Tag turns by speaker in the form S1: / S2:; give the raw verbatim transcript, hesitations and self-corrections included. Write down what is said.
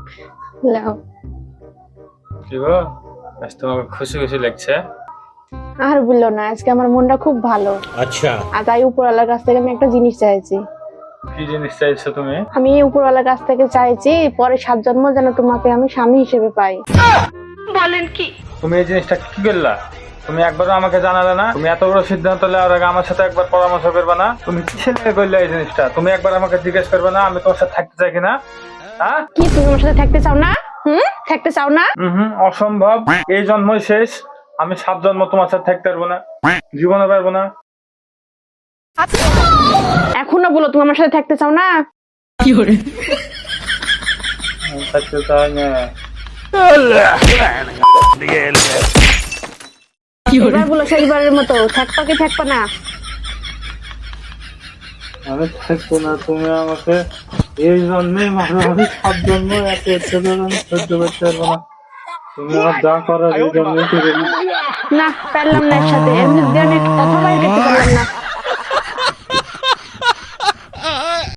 S1: লাও।
S2: কি গো, আজ তোমাকে খুশি খুশি লাগছে?
S1: আর বললো না, আজকে আমার মনটা খুব ভালো।
S3: আচ্ছা।
S1: আর তাই উপরওয়ালার কাছ থেকে আমি একটা জিনিস চাইছি।
S2: কি জিনিস চাইছো তুমি?
S1: আমি উপরওয়ালার কাছ থেকে চাইছি পরে সাত জন্ম যেন তোমাকে আমি স্বামী হিসেবে পাই।
S4: বলেন কি?
S2: তুমি এই জিনিসটা কি করলা? তুমি একবারও আমাকে জানালে না? তুমি এত বড় সিদ্ধান্ত নেওয়ার আগে আমার সাথে একবার পরামর্শ করবে না? তুমি কিসের লেগে করলে এই জিনিসটা? তুমি একবার আমাকে জিজ্ঞেস করবে না আমি তোমার সাথে থাকতে চাই কিনা? হ্যাঁ,
S1: কি তুমি আমার সাথে থাকতে চাও না? হুম, থাকতে চাও না?
S2: হুম, অসম্ভব। এই জন্মই শেষ। আমি সাত জন্ম তোমার সাথে থাকতে পারবো না, জীবনে পারবো না।
S1: এখনো বলো তুমি আমার সাথে থাকতে চাও না?
S2: আমি থাকতে চাই না।
S1: এবার বলো শেষবারের মতো, থাকবা কি থাকবা না?
S2: আমি থাকবো না। তুমি আমাকে এই জন্মে মারো, আমি সাত জন্ম এত অত্যাচার আমি সহ্য করতে পারবো না। তুমি আমার যা করার এই জন্মই করে দিও।
S1: না, পারলাম না একসাথে, এর মধ্যে আমি কথা বাইর করতে পারলাম না।